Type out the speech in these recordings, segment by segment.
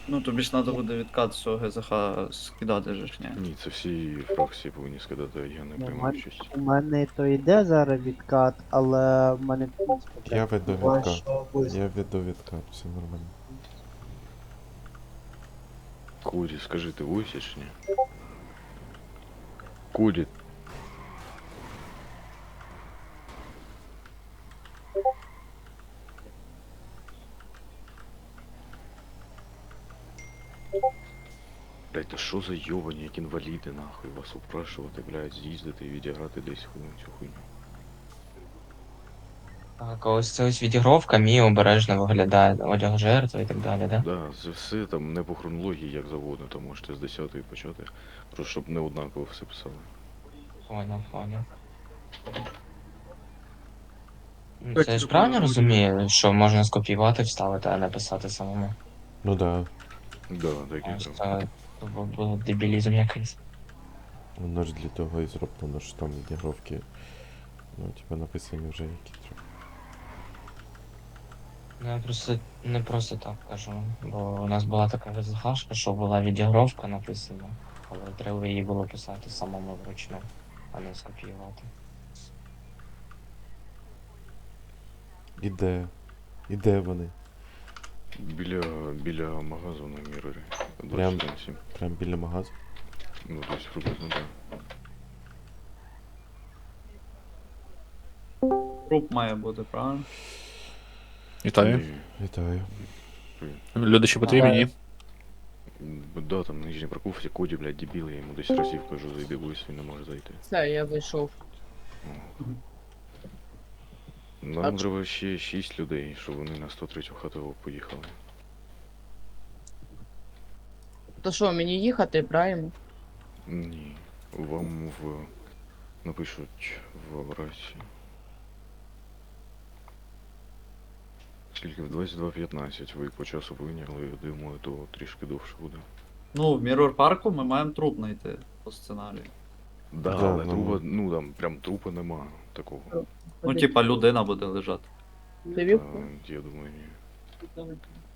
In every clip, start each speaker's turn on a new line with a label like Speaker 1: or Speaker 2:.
Speaker 1: Ну, тобі ж треба буде відкат з цього ГЗХ скидати же ж, ні?
Speaker 2: Ні, це всі фракції повинні скидати, я не
Speaker 3: Ну,
Speaker 2: приймаю участь.
Speaker 3: у мене то йде зараз відкат, але в мене в принципі,
Speaker 4: Я
Speaker 3: блядь,
Speaker 4: веду
Speaker 3: буває,
Speaker 4: відкат.
Speaker 3: що вис-
Speaker 4: Я веду відкат, все нормально.
Speaker 2: Курі, скажи, ти войсиш, ні? Курі. Блять, та що за йобані, як інваліди, нахуй, вас упрашувати, блядь, з'їздити і відіграти десь цю хуйню.
Speaker 5: Так, ось це ось відігровка, мій обережно виглядає, одяг жертви і так далі, да?
Speaker 2: Да, це все там не по хронології, як завгодно, там можете з 10-ї почати, просто щоб не однаково все писали.
Speaker 5: Поняв. Ну, це ж правильно розумію, що можна скопіювати, вставити, а не писати самому.
Speaker 4: Ну да,
Speaker 2: Да, так і
Speaker 5: Ось
Speaker 2: так.
Speaker 5: це був дебілізм якийсь.
Speaker 4: воно ж для того і зроблено, що там відігровки, ну, типа написані вже які треба.
Speaker 5: Ну, я просто не просто так кажу, бо у нас була така ВЗХшка, що була відігровка написана, але треба її було писати самому вручну, а не скопіювати.
Speaker 4: Іде вони.
Speaker 2: Біля магазу на Мірорі.
Speaker 4: Прям?
Speaker 2: 21.7.
Speaker 4: Прям біля магазу.
Speaker 2: Ну, десь приблизно, так.
Speaker 1: Труп має бути, правильно?
Speaker 6: Вітаю.
Speaker 2: Ні.
Speaker 4: Вітаю.
Speaker 6: Люди ще потрібні, ні?
Speaker 2: Да, там нижній парковці, Коді, блядь, дебіл, я йому десь разів кажу, зайди вийсь, він не може зайти.
Speaker 7: Все, я зайшов.
Speaker 2: Нам треба ще 6 людей, щоб вони на 103-ю хату поїхали.
Speaker 7: То що, мені їхати, правильно?
Speaker 2: Ні, вам напишуть в рації. Скільки? В 22:15 ви по часу повинні, але я думаю, то трішки довше буде.
Speaker 1: Ну, в Mirror парку ми маємо труп знайти по сценарію.
Speaker 2: Да,
Speaker 4: Да,
Speaker 2: але
Speaker 4: ну,
Speaker 2: трупа, ну там прям трупа нема такого.
Speaker 1: Ну, типа, людина буде лежати.
Speaker 7: Дивів?
Speaker 2: Я думаю, ні.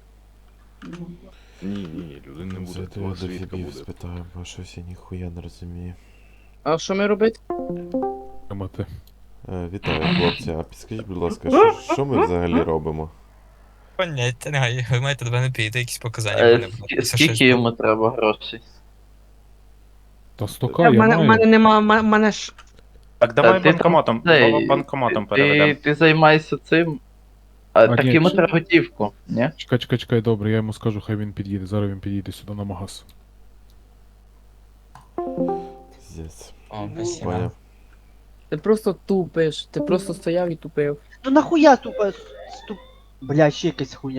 Speaker 2: Ні, людини не буде,
Speaker 4: Зайду
Speaker 2: два
Speaker 4: я до
Speaker 2: свідка
Speaker 4: фібів
Speaker 2: буде.
Speaker 4: спитаю, бо щось я ніхуя не розумію.
Speaker 7: А що ми робити?
Speaker 6: Мати.
Speaker 4: Вітаю, хлопці, а підскажіть, будь ласка, що ми взагалі робимо?
Speaker 8: Поняття не маю. Ви маєте до мене підійти, якісь показання в мене будуть. Це щось
Speaker 9: Скільки йому треба грошей?
Speaker 6: Та
Speaker 7: В
Speaker 6: стока я
Speaker 7: мене
Speaker 6: маю.
Speaker 7: нема, мене ж.
Speaker 10: Так давай
Speaker 9: Ти
Speaker 10: банкоматом,
Speaker 9: там цей,
Speaker 10: банкоматом переведемо.
Speaker 9: Ти займайся цим.
Speaker 6: А,
Speaker 9: Так
Speaker 6: ні,
Speaker 9: йому
Speaker 6: чи-
Speaker 9: треба готівку, ні?
Speaker 6: Чекай, добре, я йому скажу, хай він під'їде. Зараз він під'їде сюди на магаз.
Speaker 4: Здесь.
Speaker 5: О, спасибо.
Speaker 4: Поняв.
Speaker 7: Ти просто тупиш, ти просто стояв і тупив.
Speaker 3: Ну нахуя тупо Блядь, ще якась хуйня.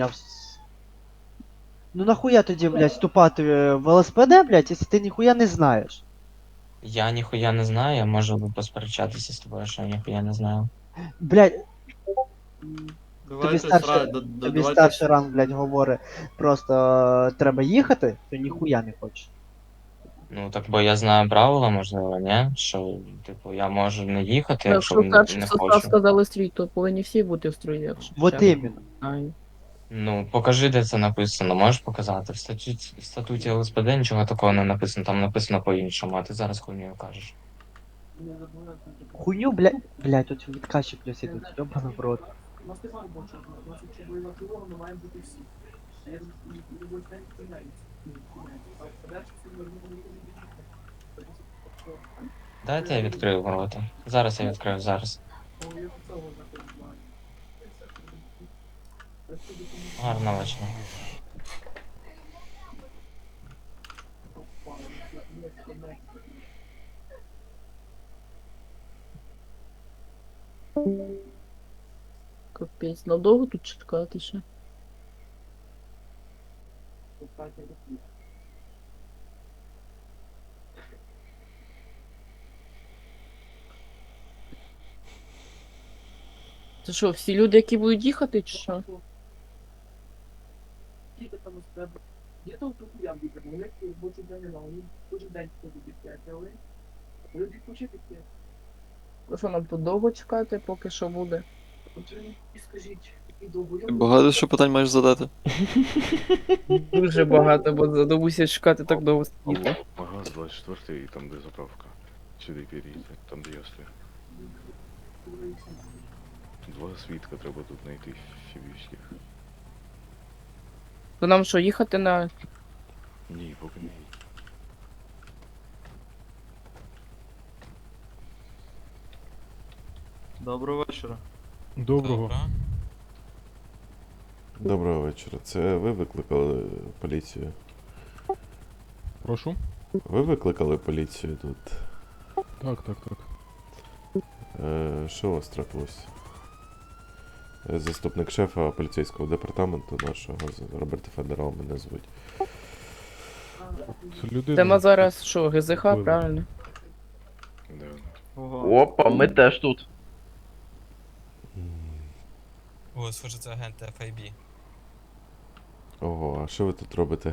Speaker 3: Ну нахуя тоді, блядь, вступати в ЛСПД, блядь, якщо ти ніхуя не знаєш?
Speaker 5: Я ніхуя не знаю, я можу посперечатися з тобою, що я ніхуя не знаю.
Speaker 3: Блядь,
Speaker 1: Давайте
Speaker 3: старший-
Speaker 1: сра-
Speaker 3: тобі
Speaker 1: давайте
Speaker 3: старший ранг, блядь, говорить, просто треба їхати, то ніхуя не хочеш.
Speaker 5: Ну так бо я знаю правила, можливо, ні? Що, типу, я можу не їхати, якщо
Speaker 7: Якщо перший
Speaker 5: не
Speaker 7: состав
Speaker 5: хочу.
Speaker 7: сказали стрій, то повинні всі бути в строї, якщо.
Speaker 3: Вот
Speaker 7: ще.
Speaker 3: іменно.
Speaker 7: Ай.
Speaker 5: Ну, покажи, де це написано, можеш показати. В статуті ЛСПД нічого такого не написано, там написано по-іншому, а ти зараз хуйню кажеш.
Speaker 3: Хуйню, блядь, тут відкачі плюс ідуть, ёбаный в рот.
Speaker 5: Дайте я відкрию ворота. Зараз я відкрию, зараз. Гарного вечора.
Speaker 7: Капець, надовго тут чекати ще? Це що, всі люди, які будуть їхати, чи що? Ну що, нам тут довго чекати, поки що буде?
Speaker 11: Багато що питань маєш задати?
Speaker 7: Дуже багато, бо задовбуся чекати так довго сидіти.
Speaker 2: Алло, магаз 24 і там де заправка. Сюди перейти, там де я стою. Два свідка треба тут знайти фібівських.
Speaker 7: То нам що, їхати на.
Speaker 2: Ні, поки не.
Speaker 1: Доброго вечора.
Speaker 6: Доброго.
Speaker 4: Доброго вечора. Це ви викликали поліцію?
Speaker 6: Прошу?
Speaker 4: Ви викликали поліцію тут?
Speaker 6: Так, так, так.
Speaker 4: Що у вас трапилось? Заступник шефа поліцейського департаменту нашого, Роберт Федерал мене звуть.
Speaker 6: Це людина.
Speaker 7: Тема зараз що, ГЗХ,
Speaker 6: Вбили.
Speaker 7: правильно?
Speaker 2: Да.
Speaker 1: Ого.
Speaker 9: Опа, ми теж тут.
Speaker 8: О, схоже, це агент FIB.
Speaker 4: Ого, а що ви тут робите?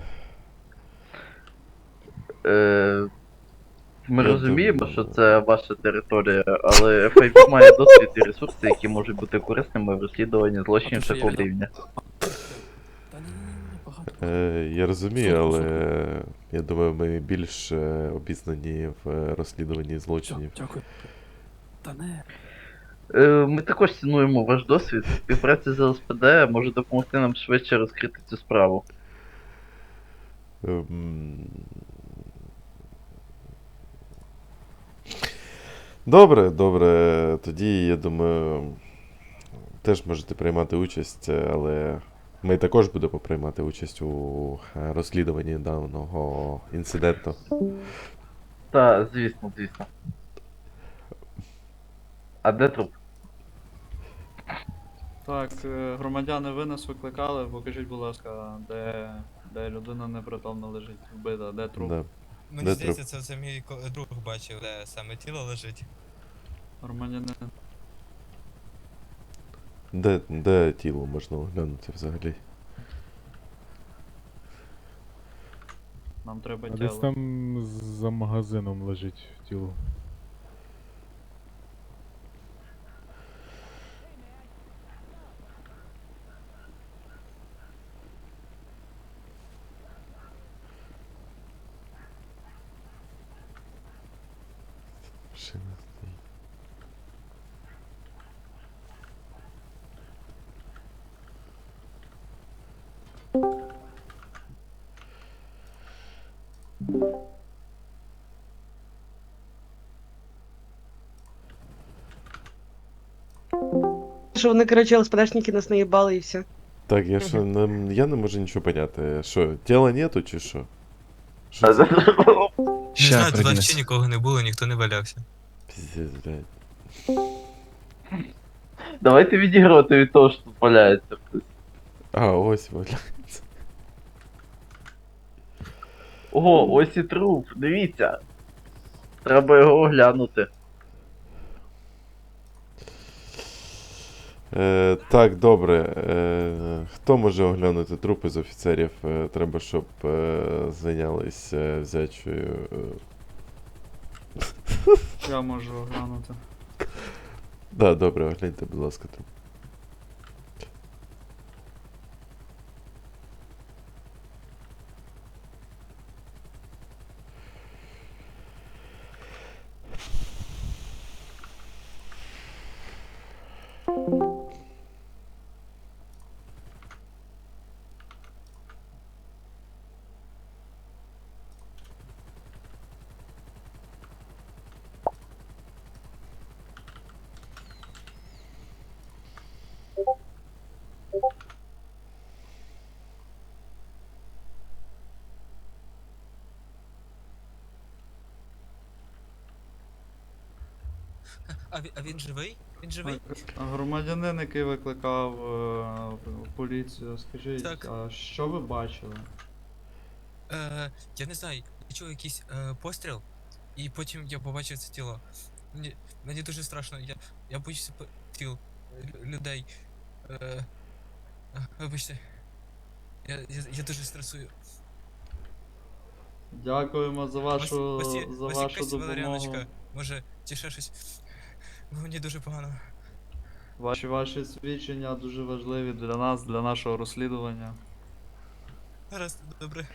Speaker 9: Ми
Speaker 4: Я
Speaker 9: розуміємо,
Speaker 4: думаю,
Speaker 9: що це ваша територія, але FIB має досвід і ресурси, які можуть бути корисними в розслідуванні злочинів такого рівня.
Speaker 4: Я розумію, але я думаю, ми більш обізнані в розслідуванні злочинів.
Speaker 9: Ми також цінуємо ваш досвід. Співпраця з ЛСПД може допомогти нам швидше розкрити цю справу.
Speaker 4: Добре, добре. Тоді, я думаю, теж можете приймати участь, але ми також будемо приймати участь у розслідуванні даного інциденту.
Speaker 9: Та, звісно, звісно. А де труп?
Speaker 1: Так, громадяни, ви нас викликали, покажіть, будь ласка, де людина непритомно лежить, вбита, де труп.
Speaker 4: Да.
Speaker 8: Мені
Speaker 4: Де
Speaker 8: здається, це мій друг бачив, де саме тіло лежить.
Speaker 1: Громадянин.
Speaker 4: Де тіло можна оглянути взагалі?
Speaker 1: Нам треба
Speaker 6: А десь
Speaker 1: тіло.
Speaker 6: там за магазином лежить тіло.
Speaker 4: Машина стоїть.
Speaker 12: Що вони, коротше, ЛСПДшники нас наїбали і все.
Speaker 4: Так, я не можу нічого поняти. Що, тіла нету чи що? Що це?
Speaker 8: Не знаю, тут взагалі нікого не було, ніхто не валявся.
Speaker 4: Пиздец, блядь.
Speaker 9: Давайте відігрувати від того, що тут валяється хтось.
Speaker 4: А, ось валяється.
Speaker 9: Ого, ось і труп, дивіться. Треба його оглянути.
Speaker 4: Так, добре. Хто може оглянути трупи з офіцерів? Треба, щоб зайнялись взячою.
Speaker 1: Я можу оглянути.
Speaker 4: Да, добре, огляньте, будь ласка, труп.
Speaker 8: А він живий? Він живий?
Speaker 1: Громадянин, який викликав поліцію, скажіть,
Speaker 8: Так.
Speaker 1: а що ви бачили?
Speaker 8: Я не знаю, я чув якийсь постріл, і потім я побачив це тіло. Мені дуже страшно, я боюся тіл людей. Вибачте. Я дуже стресую.
Speaker 1: Дякуємо за вашу,
Speaker 8: Ось
Speaker 1: за
Speaker 8: якась
Speaker 1: вашу допомогу.
Speaker 8: валеріаночка, може, чи ще щось. Бо мені дуже погано.
Speaker 1: Ваші свідчення дуже важливі для нас, для нашого розслідування.
Speaker 8: Гаразд, добре.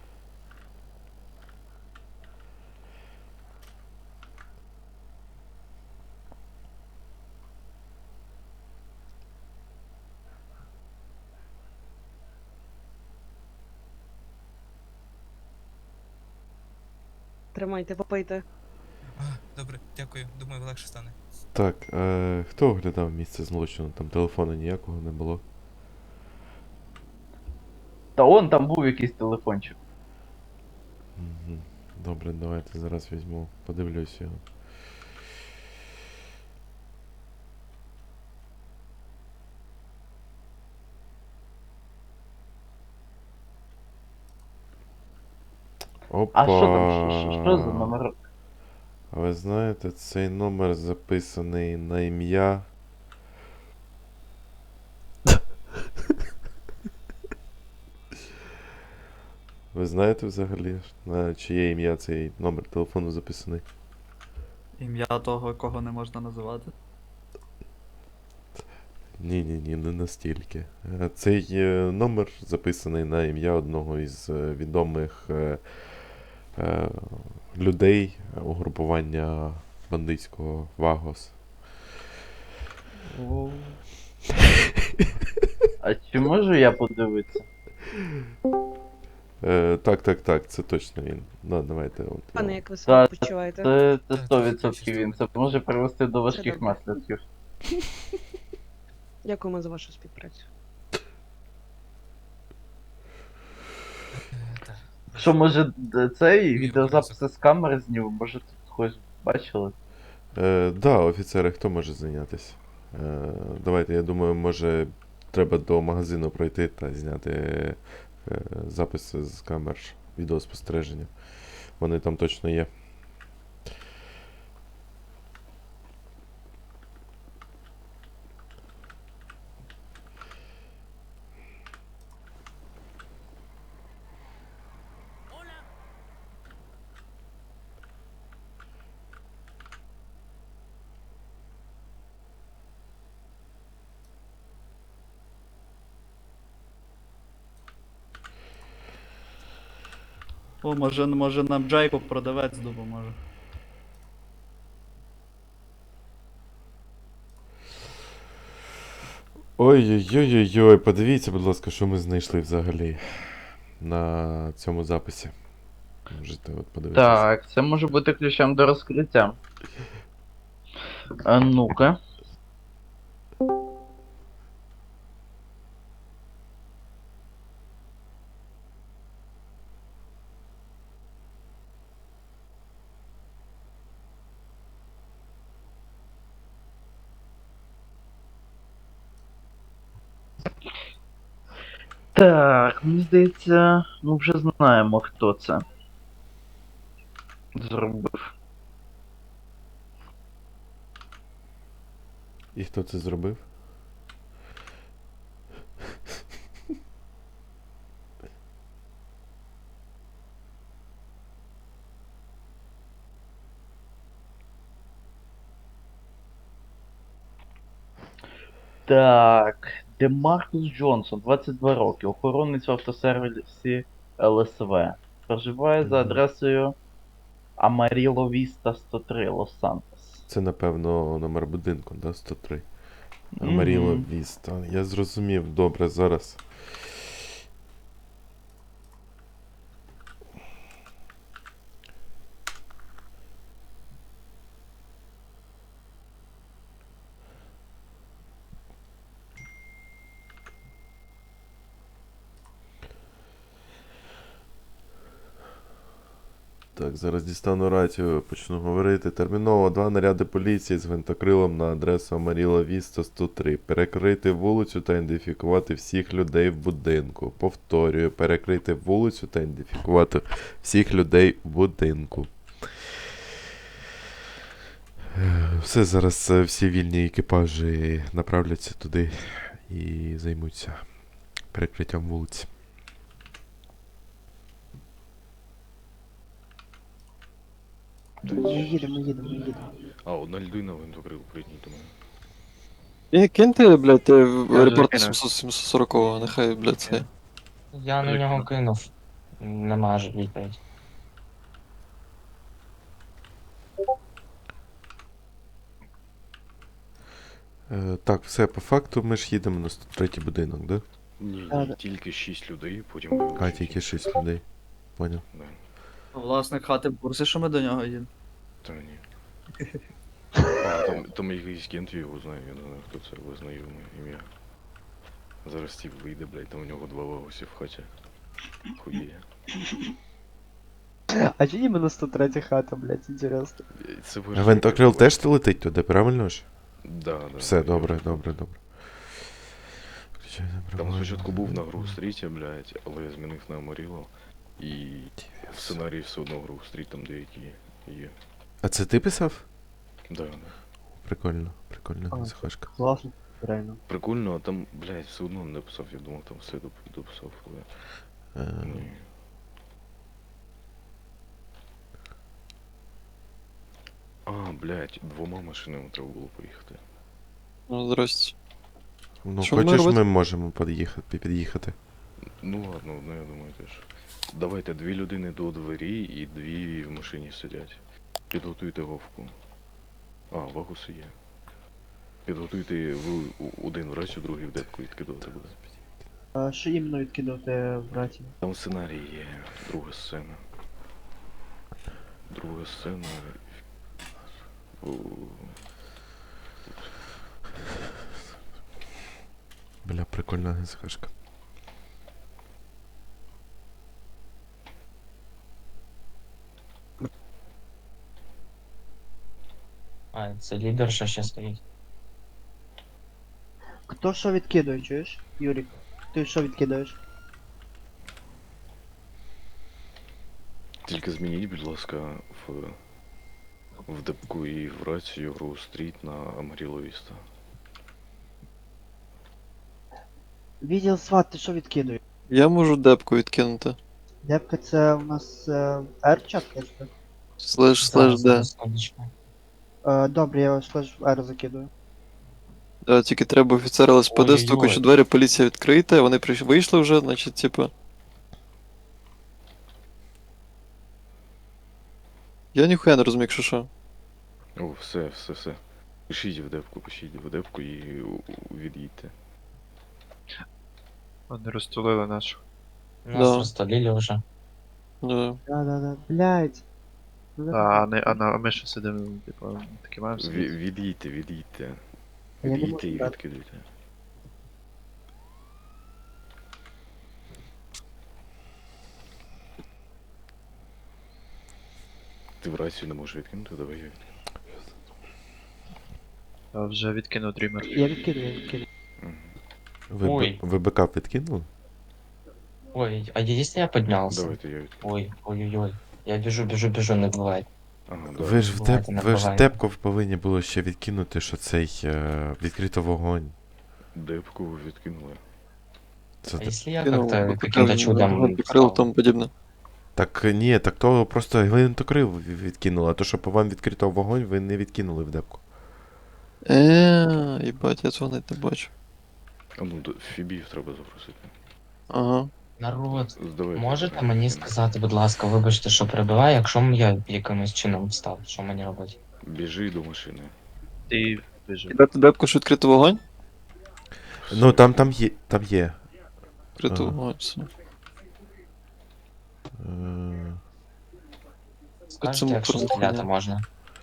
Speaker 12: Тримайте, попийте.
Speaker 8: Добре, дякую. Думаю, легше стане.
Speaker 4: Так, хто оглядав місце злочину? Там телефону ніякого не було.
Speaker 9: Та он там був якийсь телефончик.
Speaker 4: Угу. Добре, давайте зараз візьму, подивлюсь його. Опа.
Speaker 9: А що там? Що за номер?
Speaker 4: А ви знаєте, цей номер записаний на ім'я. Ви знаєте взагалі, на чиє ім'я цей номер телефону записаний?
Speaker 1: Ім'я того, кого не можна називати.
Speaker 4: Ні, не настільки. Цей номер записаний на ім'я одного із відомих людей угрупування бандитського Вагос.
Speaker 9: А чи можу я подивитися?
Speaker 4: Так, це точно він. Ну, давайте. От,
Speaker 12: Пане,
Speaker 4: я-
Speaker 12: як ви себе
Speaker 9: Та,
Speaker 12: почуваєте?
Speaker 9: Це 100% він. Це може привести до важких
Speaker 12: добре.
Speaker 9: наслідків.
Speaker 12: Дякуємо за вашу співпрацю.
Speaker 8: Так.
Speaker 9: Що, може, цей
Speaker 8: Ні,
Speaker 9: відеозаписи з камери зніму? Може, тут когось бачили?
Speaker 4: Да, офіцери, хто може зайнятися? Давайте, я думаю, може треба до магазину пройти та зняти записи з камер відеоспостереження. Вони там точно є.
Speaker 1: О, може нам Джейкоб продавець допоможе.
Speaker 4: Ой-ой-ой-ой, подивіться, будь ласка, що ми знайшли взагалі на цьому записі. Можете от подивитися.
Speaker 9: Так, це може бути ключем до розкриття. А ну-ка. Так, мені здається, ми вже знаємо, хто це зробив.
Speaker 4: І хто це зробив?
Speaker 9: Так, Демаркус Джонсон, 22 роки, охоронець в автосервісі ЛСВ. Проживає за
Speaker 4: Мгм.
Speaker 9: адресою Амаріло Віста 103, Лос-Сантос.
Speaker 4: Це, напевно, номер будинку, да? 103. Амаріло
Speaker 9: Мгм.
Speaker 4: Віста. Я зрозумів, добре, зараз. Так, зараз дістану рацію, почну говорити. Терміново 2 наряди поліції з гвинтокрилом на адресу Амаріла Віста 103. Перекрити вулицю та ідентифікувати всіх людей в будинку. Повторюю, перекрити вулицю та ідентифікувати всіх людей в будинку. Все, зараз всі вільні екіпажі направляться туди і займуться перекриттям вулиці.
Speaker 3: Їдемо.
Speaker 2: А, одна людина в гвинтокрил прийняти мене.
Speaker 11: І киньте, блядь,
Speaker 9: вже
Speaker 11: репорт
Speaker 9: кинув.
Speaker 11: 740-го, нехай, блядь, це.
Speaker 5: Я на нього кинув. Нема ж відповідь.
Speaker 4: Так, все, по факту ми ж їдемо на 103-й будинок, да?
Speaker 2: Ні,
Speaker 3: А,
Speaker 2: ні,
Speaker 3: да.
Speaker 2: тільки 6 людей, потім вилучать.
Speaker 4: А, тільки 6 людей. Поняв.
Speaker 2: Да.
Speaker 1: Власник хати в курсі, що ми до нього їдемо.
Speaker 2: Та ні. А, там якийсь кент, я його знаю, я не знаю, хто це, але знайоме ім'я. Зараз Стів вийде, блядь, там у нього 2 вагосі в хаті. Хує.
Speaker 3: А чи іменно 103 хата, блядь, інтересно.
Speaker 2: Це
Speaker 4: А Вентокрил теж летить туди, правильно ж?
Speaker 2: Да, да.
Speaker 4: Все,
Speaker 2: я-
Speaker 4: добре, добре, добре. Включай
Speaker 2: Там
Speaker 4: направлення.
Speaker 2: спочатку був на Грув Стріті, блядь, але я змінив на Амаріло. І в сценарії все одно Грув Стріт там деякі є.
Speaker 4: А це ти писав?
Speaker 2: Да, да.
Speaker 4: Прикольно, прикольно,
Speaker 3: А,
Speaker 4: захашка.
Speaker 3: Класно, реально.
Speaker 2: Прикольно, а там, блядь, все одно не дописав, я думав, там все дописав, але ні. А, блядь, 2 машинами треба було поїхати.
Speaker 11: Ну, здрасте.
Speaker 4: Ну,
Speaker 11: Що ми
Speaker 4: хочеш,
Speaker 11: робити?
Speaker 4: ми можемо під'їхати.
Speaker 2: Ну ладно, одне, я думаю, теж. Давайте 2 людини до двері і 2 в машині сидять. Підготуйте вовку. А, вагуси є. Підготуйте ви один в рацію, другий в депку відкидувати буде.
Speaker 3: А що іменно відкидувати, браті?
Speaker 2: Там сценарій є, друга сцена. Друга сцена. О,
Speaker 4: Бля, прикольна захашка.
Speaker 5: А, це лідерша ще стоїть.
Speaker 3: Хто що відкидує, чуєш? Юрік, ти що відкидаєш?
Speaker 2: Тільки змініть, будь ласка, в депку і в рацію Гру Стріт на Амаріло Віста.
Speaker 3: Відділ сват, ти що відкидуєш?
Speaker 11: Я можу депку відкинути.
Speaker 3: Депка це у нас R-чат, кажете?
Speaker 11: Слеш
Speaker 5: Зараз,
Speaker 11: де.
Speaker 5: секундочку.
Speaker 3: Добре, я слеш R закидую.
Speaker 11: Да, тільки треба офіцера ЛСПД,
Speaker 5: Ой-ой-ой.
Speaker 11: стукаючи двері, поліція відкрита, вони вийшли вже, значить, типу. Я ніхуя не розумію, якщо що.
Speaker 2: О, все. Пишіть в депку і від'їдьте.
Speaker 10: Вони розтулили нашу.
Speaker 5: Нас
Speaker 11: Да.
Speaker 5: розстолили вже.
Speaker 11: Да.
Speaker 3: Да-да-да, блядь. Ну,
Speaker 10: А ми що сидимо, типу, такі маємо сидіти?
Speaker 2: Від'їдьте.
Speaker 3: Я не
Speaker 2: Від'їдьте
Speaker 3: можу
Speaker 2: і
Speaker 3: брати.
Speaker 2: відкидуйте. Ти в рацію не можеш відкинути, давай я відкину.
Speaker 10: Я вже відкинув дрімер.
Speaker 3: Я відкидую.
Speaker 2: Мгм.
Speaker 5: Ой.
Speaker 4: Ви бекап відкинули?
Speaker 5: Ой, а если я поднялся?
Speaker 2: Давайте я відкину.
Speaker 5: Ой-ой-ой. Я бежу, не бывает.
Speaker 2: Ага, да.
Speaker 4: Ви ж в
Speaker 5: Бувайте, не
Speaker 4: ви ж
Speaker 5: бувайте.
Speaker 4: депку повинні було ще відкинути, що цей відкрито вогонь.
Speaker 2: Депку ви відкинули.
Speaker 4: Це
Speaker 5: А если я
Speaker 11: Кинув,
Speaker 5: как-то
Speaker 11: викликав,
Speaker 5: каким-то чудом
Speaker 11: покрил
Speaker 5: встал?
Speaker 11: тому подібне.
Speaker 4: Так ні, так то просто гвинтокрил відкинули, а то, що по вам відкрито вогонь, ви не відкинули в депку.
Speaker 11: Їбать, я цього навіть не бачу.
Speaker 2: А ну, Фібів треба запросити.
Speaker 11: Ага.
Speaker 5: Народ,
Speaker 2: Здавайте.
Speaker 5: можете мені сказати, будь ласка, вибачте, що перебиваю, якщо я якимось чином встав, що мені робити?
Speaker 2: Біжи до машини.
Speaker 10: Ти біжи.
Speaker 11: Кидати депку, що відкрито вогонь?
Speaker 4: Ну там є.
Speaker 11: Відкрито
Speaker 4: Ага.
Speaker 11: вогонь, все.
Speaker 4: Е,
Speaker 5: Скажете,
Speaker 11: Цьому
Speaker 5: якщо
Speaker 11: просто
Speaker 5: стріляти
Speaker 11: хуйня.
Speaker 5: можна.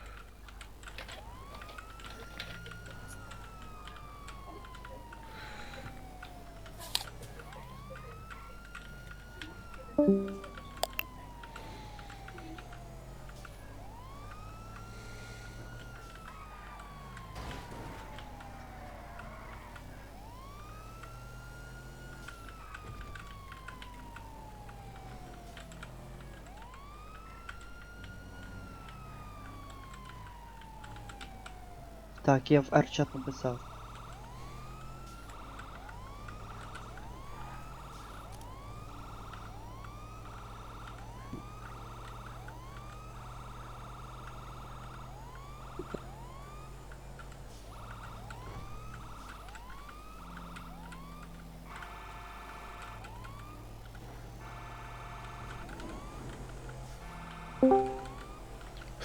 Speaker 3: Так, я в R-чат написав.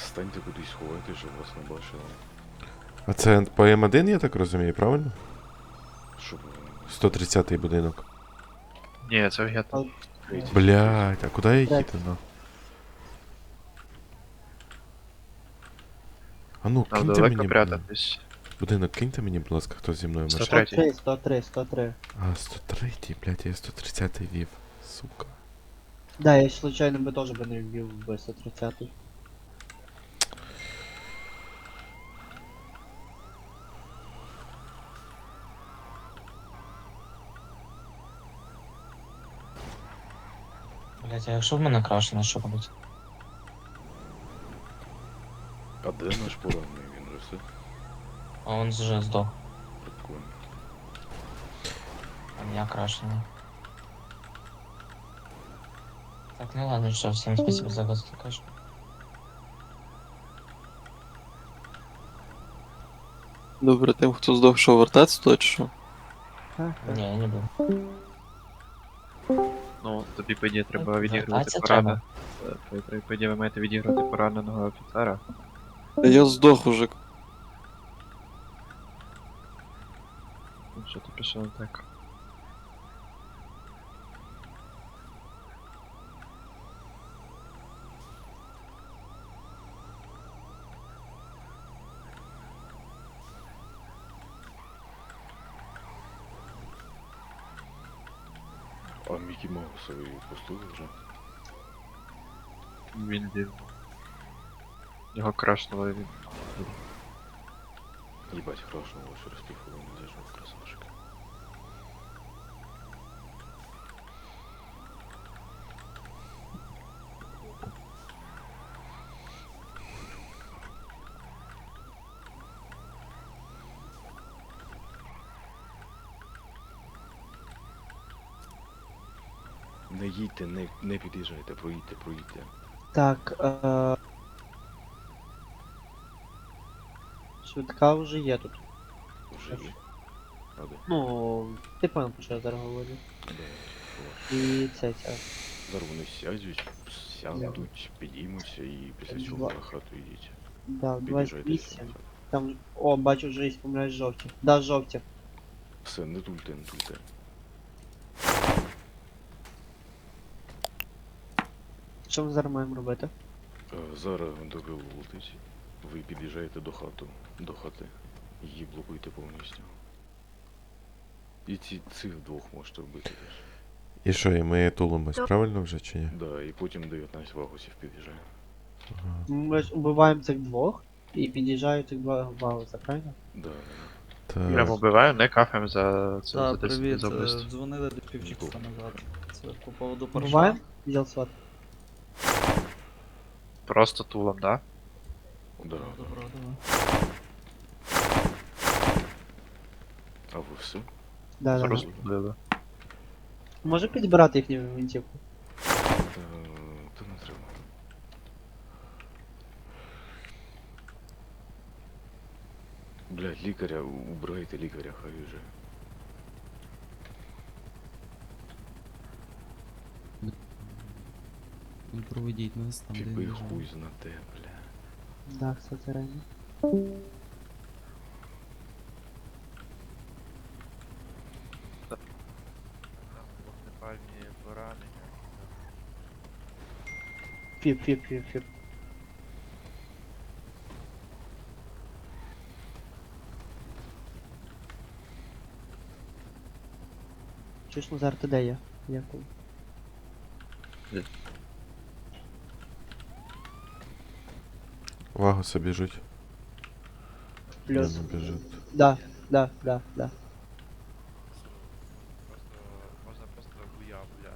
Speaker 2: Станьте кудись сховайте, щоб вас не бачили.
Speaker 4: А це по М1, я так розумію, правильно?
Speaker 2: Щоб
Speaker 4: 130-й будинок.
Speaker 10: Ні, це гетто.
Speaker 4: Блядь, а куди я їду, ну? А ну,
Speaker 10: Нам
Speaker 4: киньте
Speaker 10: далеко
Speaker 4: мені,
Speaker 10: прятатись.
Speaker 4: будинок, киньте мені, будь ласка, хто зі мною машина.
Speaker 10: 103.
Speaker 3: 103.
Speaker 4: А, 103-й, блядь, я 130-й вів, сука.
Speaker 3: Да, я случайно би теж би не вбив би 130.
Speaker 5: Блять, а якщо в мене крашено, що робити?
Speaker 2: А де наш поранений? Він вже все?
Speaker 5: А он вже здох,
Speaker 2: Прикольно.
Speaker 5: а я крашений. Так, ну ладно, що, всім спасибо за гостю, кажу.
Speaker 11: Добре, тим, хто здох, що вертатися, то чи що?
Speaker 5: Ні, я не буду.
Speaker 10: Ну, тобі, по ідеї, треба відігрувати
Speaker 5: Вертатися
Speaker 10: пораненого. По ідеї, ви маєте відігрувати пораненого офіцера.
Speaker 11: Та я здох уже.
Speaker 10: Ну, що ти пішов так?
Speaker 2: А Мікі Маусовий пустили вже?
Speaker 10: Він дів. Його крашнуло і він.
Speaker 2: Їбать, хорошо, через півхвилини зайшов красавчик. Не їдьте, не під'їжджайте, проїдьте.
Speaker 3: Так, швидка вже є тут.
Speaker 2: Вже є. А де?
Speaker 3: Ну, ти понял, про що я зараз говорю.
Speaker 2: Да.
Speaker 3: І це.
Speaker 2: Зараз вони сядуть, підіймуться і після цього на хату йдіть.
Speaker 3: Да,
Speaker 2: Під'їжджайте
Speaker 3: 28.
Speaker 2: сюди.
Speaker 3: Там, о, бачу, вже є помиляєш жовті. Да, жовті.
Speaker 2: Все, не тульте, не тульте.
Speaker 3: Що ми зараз маємо робити?
Speaker 2: Зараз дорогу летить. Ви під'їжджаєте до хати. Її блокуєте повністю. І цих двох можете вбити теж.
Speaker 4: І що, і ми тулимось, правильно вже чи ні?
Speaker 2: Да, і потім 19 вагусів під'їжджає.
Speaker 4: Ага.
Speaker 3: Ми ж убиваємо цих двох і під'їжджають цих два вауса, правильно?
Speaker 2: Да.
Speaker 4: Так.
Speaker 10: Прямо вбиваємо, не кафаємо за це за
Speaker 1: Так,
Speaker 10: 10
Speaker 1: привіт,
Speaker 10: за вбивство.
Speaker 1: дзвонили до півчаса назад. Це по поводу парша.
Speaker 3: Убиваємо? Відділ сват.
Speaker 10: Просто тулом, да?
Speaker 2: Да.
Speaker 1: Добро, давай.
Speaker 2: А ви все?
Speaker 3: Да.
Speaker 10: Розбили.
Speaker 3: Може підбирати їхню винтівку?
Speaker 2: Та не треба. Блядь, лікаря, убирайте лікаря, хай вже.
Speaker 13: Ну проведіть нас там, де
Speaker 2: Фіби
Speaker 13: лежать.
Speaker 2: хуй знате, бля.
Speaker 3: Да, кстати, реально.
Speaker 10: Вогнепальні поранення.
Speaker 3: Фіп. Чуєш, Назар, ти де є? Дякую.
Speaker 4: Вагоса біжуть.
Speaker 3: Плюс.
Speaker 4: Не біжуть.
Speaker 3: Да.
Speaker 10: Можна просто хуя, бля.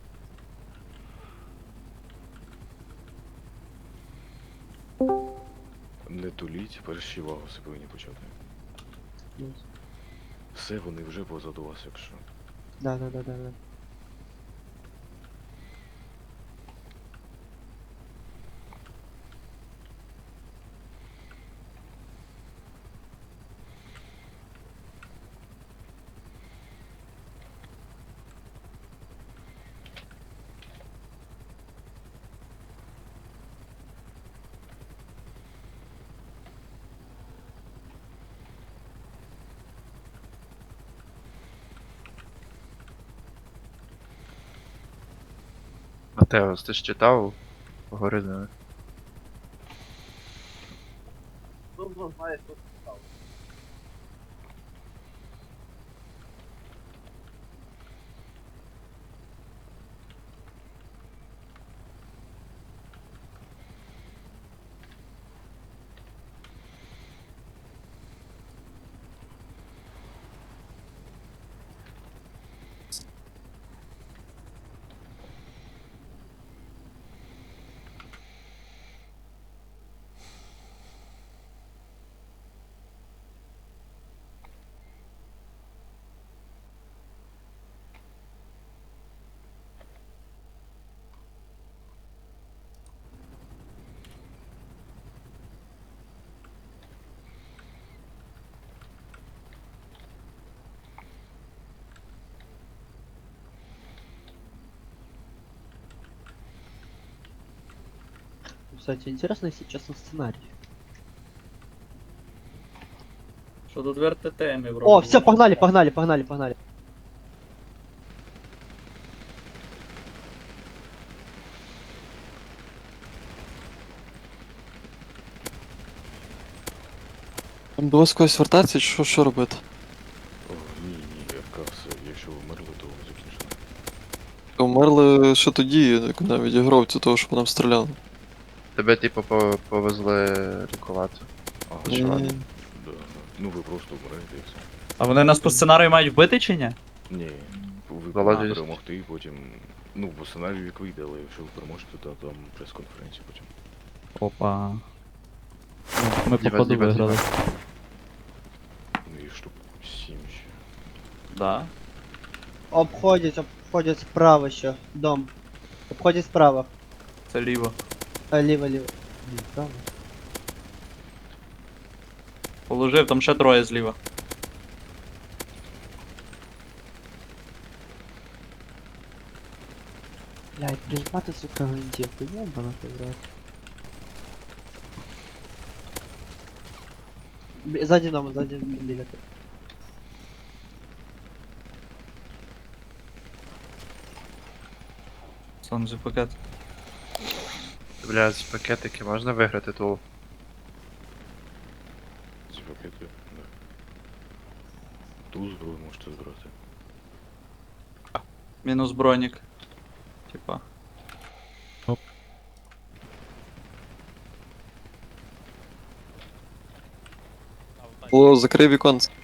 Speaker 2: Не туліть, перші вагуси повинні почати.
Speaker 3: Плюс.
Speaker 2: Все, вони вже позаду вас, якщо.
Speaker 3: Да.
Speaker 10: Матеос, ти ж читав? Поговори з ними.
Speaker 3: Кстати, интересно, если честно, сценарий.
Speaker 1: Що тут в РТТМі вроде.
Speaker 3: О, все, погнали, погнали, погнали, погнали.
Speaker 11: Там до вас когось вертатися, чи що робити?
Speaker 2: О, ні, РК все, якщо ви вмерли, то закінчено.
Speaker 11: Умерли ще тоді, як навіть ігров цю того, що по нам стріляли.
Speaker 10: Тебе, типу, повезли лікувати.
Speaker 2: А,
Speaker 11: Ні.
Speaker 2: чи ладно? Да, да. Ну ви просто вмрете і все.
Speaker 1: А вони нас по сценарію мають вбити чи ні?
Speaker 2: Ні, ви
Speaker 10: Володя,
Speaker 2: повинні перемогти, і потім. Ну, по сценарію як вийде, але якщо ви переможете, то там прес-конференція потім.
Speaker 1: Опа. Ну, ми
Speaker 10: Діва,
Speaker 1: походу
Speaker 10: діва,
Speaker 1: виграли.
Speaker 2: Ну і штук 7 ще.
Speaker 1: Да.
Speaker 3: Обходят справа еще, дом. Обходит справа.
Speaker 1: Це ліво.
Speaker 3: Лево, лево. Право.
Speaker 1: Положив, там ще троє зліва.
Speaker 3: Блядь, прижмати, сука, гвинтівку, ёбана ти, брат. Сзади дома, сзади биля.
Speaker 1: Сонзі пакет.
Speaker 10: Бля, ці пакетики можна виграти тул?
Speaker 2: Ці пакети, да. Ту зброю можете збирати.
Speaker 1: Мінус бронік. Типа.
Speaker 11: Було, закрив віконце.